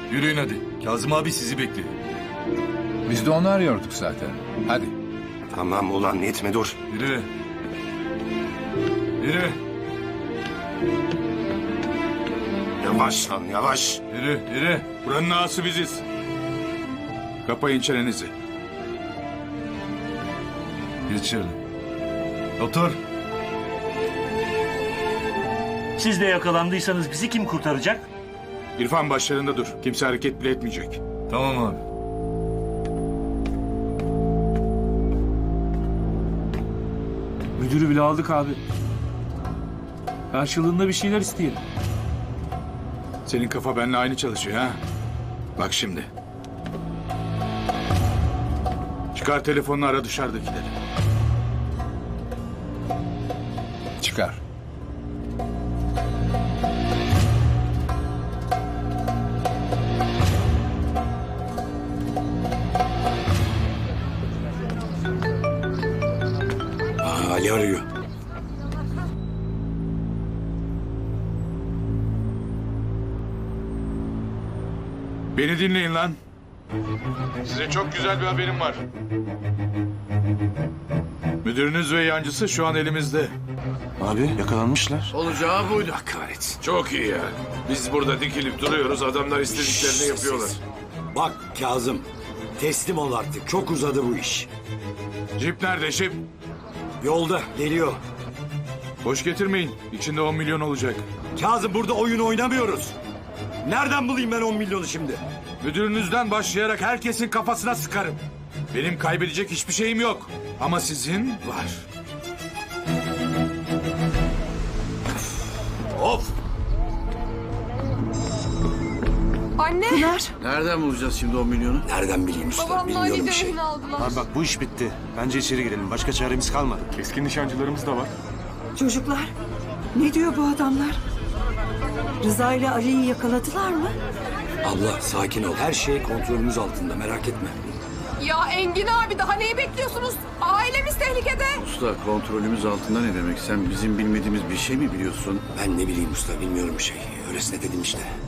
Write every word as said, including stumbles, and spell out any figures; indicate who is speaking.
Speaker 1: Yürüyün hadi. Kazım abi sizi bekliyor.
Speaker 2: Biz de onu arıyorduk zaten. Hadi.
Speaker 3: Tamam ulan etme dur.
Speaker 1: Yürü. Yürü.
Speaker 3: Yavaş lan yavaş.
Speaker 1: Yürü. Yürü.
Speaker 4: Buranın ağası biziz. Kapayın çenenizi.
Speaker 1: Geç şöyle. Otur.
Speaker 5: Siz de yakalandıysanız bizi kim kurtaracak?
Speaker 4: İrfan başlarında dur. Kimse hareket bile etmeyecek.
Speaker 1: Tamam abi.
Speaker 6: Müdürü bile aldık abi. Karşılığında bir şeyler isteyelim.
Speaker 4: Senin kafa benimle aynı çalışıyor ha. Bak şimdi. Çıkar telefonunu, ara dışarıdakileri.
Speaker 2: Çıkar.
Speaker 3: Aa, Ali arıyor.
Speaker 4: Beni dinleyin lan. Size çok güzel bir haberim var. Müdürünüz ve yancısı şu an elimizde.
Speaker 3: Abi yakalanmışlar.
Speaker 7: Olacağı buydu.
Speaker 3: Allah kahretsin.
Speaker 7: Çok iyi ya. Biz burada dikilip duruyoruz. Adamlar istediklerini yapıyorlar.
Speaker 8: Bak Kazım, teslim ol artık. Çok uzadı bu iş.
Speaker 4: Jip nerede jip?
Speaker 8: Yolda, geliyor.
Speaker 4: Boş getirmeyin. İçinde on milyon olacak.
Speaker 8: Kazım burada oyun oynamıyoruz. Nereden bulayım ben on milyonu şimdi?
Speaker 4: Müdürünüzden başlayarak herkesin kafasına sıkarım. Benim kaybedecek hiçbir şeyim yok. Ama sizin var.
Speaker 7: Of!
Speaker 9: Anne.
Speaker 7: Nereden bulacağız şimdi on milyonu?
Speaker 8: Nereden bileyim usta?
Speaker 9: Babamla
Speaker 8: Bilmiyorum
Speaker 9: Ali
Speaker 8: bir
Speaker 9: de
Speaker 8: şey.
Speaker 9: rehin aldılar.
Speaker 3: Abi bak bu iş bitti. Bence içeri girelim. Başka çaremiz kalmadı.
Speaker 4: Keskin nişancılarımız da var.
Speaker 10: Çocuklar, ne diyor bu adamlar? Rıza ile Ali'yi yakaladılar mı?
Speaker 8: Abla sakin ol. Her şey kontrolümüz altında. Merak etme.
Speaker 9: Ya Engin abi daha neyi bekliyorsunuz? Ailemiz tehlikede.
Speaker 7: Usta kontrolümüz altında ne demek? Sen bizim bilmediğimiz bir şey mi biliyorsun?
Speaker 8: Ben ne bileyim usta. Bilmiyorum bir şey. Öylesine dedim işte.